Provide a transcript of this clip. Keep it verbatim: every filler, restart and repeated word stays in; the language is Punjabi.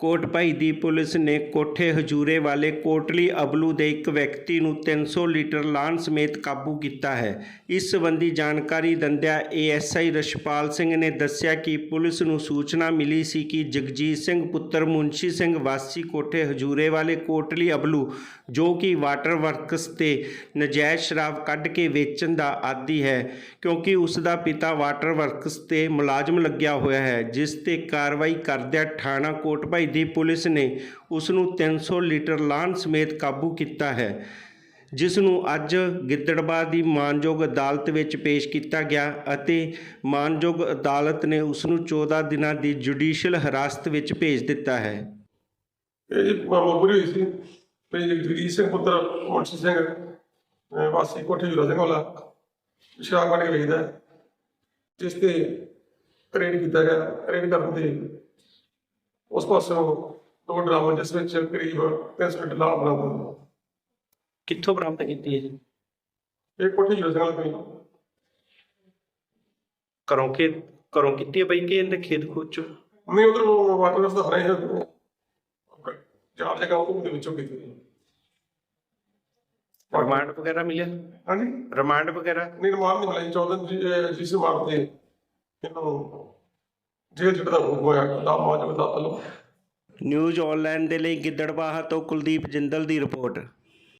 ਕੋਟਭਾਈ ਦੀ ਪੁਲਿਸ ਨੇ ਕੋਠੇ ਹਜੂਰੇ ਵਾਲੇ ਕੋਟਲੀ ਅਬਲੂ ਦੇ ਇੱਕ ਵਿਅਕਤੀ ਨੂੰ ਤਿੰਨ ਸੌ ਲੀਟਰ ਲਾਹਣ ਸਮੇਤ ਕਾਬੂ ਕੀਤਾ ਹੈ। ਇਸ ਸੰਬੰਧੀ ਜਾਣਕਾਰੀ ਦਿੰਦਿਆਂ A S I Rachhpal Singh ਨੇ ਦੱਸਿਆ ਕਿ ਪੁਲਿਸ ਨੂੰ ਸੂਚਨਾ ਮਿਲੀ ਸੀ ਕਿ ਜਗਜੀਤ ਸਿੰਘ ਪੁੱਤਰ ਮੁਨਸ਼ੀ ਸਿੰਘ ਵਾਸੀ ਕੋਠੇ ਹਜੂਰੇ ਵਾਲੇ ਕੋਟਲੀ ਅਬਲੂ, ਜੋ ਕਿ ਵਾਟਰ ਵਰਕਸ ਤੇ ਨਜਾਇਜ਼ ਸ਼ਰਾਬ ਕੱਢ ਕੇ ਵੇਚਣ ਦਾ ਆਦੀ ਹੈ, ਕਿਉਂਕਿ ਉਸ ਦਾ ਪਿਤਾ ਵਾਟਰ ਵਰਕਸ ਤੇ ਮੁਲਾਜ਼ਮ ਲੱਗਿਆ ਹੋਇਆ ਹੈ, ਜਿਸ ਤੇ ਕਾਰਵਾਈ ਕਰਦਿਆਂ ਥਾਣਾ ਕੋਟਭਾਈ ਦੀ ਪੁਲਿਸ ਨੇ ਉਸ ਨੂੰ ਤਿੰਨ ਸੌ ਲੀਟਰ ਲਾਹਣ ਸਮੇਤ ਕਾਬੂ ਕੀਤਾ ਹੈ, ਜਿਸ ਨੂੰ ਅੱਜ ਗਿੱਦੜਬਾਹਾ ਦੀ ਮਾਣਯੋਗ ਅਦਾਲਤ ਵਿੱਚ ਪੇਸ਼ ਕੀਤਾ ਗਿਆ ਅਤੇ ਮਾਣਯੋਗ ਅਦਾਲਤ ਨੇ ਉਸ ਨੂੰ ਚੌਦਾਂ ਦਿਨਾਂ ਦੀ ਜੁਡੀਸ਼ੀਅਲ ਹਿਰਾਸਤ ਵਿੱਚ ਭੇਜ ਦਿੱਤਾ ਹੈ। ਇਹ ਜੀ ਮਾਮੂਲੀ ਹੋਈ ਸੀ ਵੀ ਜਗਜੀਤ ਸਿੰਘ ਪੁੱਤਰ ਮੁਨਸ਼ੀ ਸਿੰਘ ਵਾਸੀ ਕੋਠੇ ਹਜੂਰਾ ਸਿੰਘ ਵਾਲਾ ਸ਼ਰਾਬ ਕੱਢ ਕੇ ਵੇਚਦਾ, ਜਿਸ ਤੇ ਰੇਡ ਕੀਤਾ ਗਿਆ। ਰੇਡ ਕਰਨ ਤੇ ਉਸ ਪਾਸੋਂ ਦੋ ਡਰਾਮਾ ਜਿਸ ਵਿੱਚ ਕਰੀਬ ਤਿੰਨ ਸੌ ਲੀਟਰ ਲਾਹਣ ਬਰਾਮਦ। ਕਿੱਥੋਂ ਬਰਾਮਦ ਕੀਤੀ ਹੈ ਜੀ? ਇਹ ਕੋਠੇ ਹਜੂਰਾ ਸਿੰਘ ਵਾਲਾ ਤੋਂ ਘਰੋਂ ਕਿ ਘਰੋਂ ਕੀਤੀ ਹੈ ਬਈ ਕਿ ਇਹਦੇ ਖੇਤ ਖੂਚ ਚੋਂ? ਨਹੀਂ, ਉਧਰ ਵਾਟਰ ਵਰਕਸ ਦਾ ਹਰੇ ਚਾਰ ਜਗ੍ਹਾ ਉਹਦੇ ਵਿੱਚੋਂ ਕੀਤੀ। ਰਿਮਾਂਡ ਵਗੈਰਾ ਮਿਲਿਆ? ਹਾਂਜੀ, ਰਿਮਾਂਡ ਵਗੈਰਾ ਨਹੀਂ ਰਿਮਾਂਡ ਨਹੀਂ ਮਿਲਿਆ। ਚੌਦਾਂ ਜਿਸ ਰਿਮਾਂਡ ਤੇ ਇਹਨੂੰ ਜੇਲ੍ਹ ਜਿਹੜਾ ਹੋਇਆ ਦਾ ਮਾਜੂਦ ਅਦਾਲਤ। ਨਿਊਜ਼ ਆਨਲਾਈਨ ਦੇ ਲਈ ਗਿੱਦੜਬਾਹਾ ਤੋਂ ਕੁਲਦੀਪ ਜਿੰਦਲ ਦੀ ਰਿਪੋਰਟ।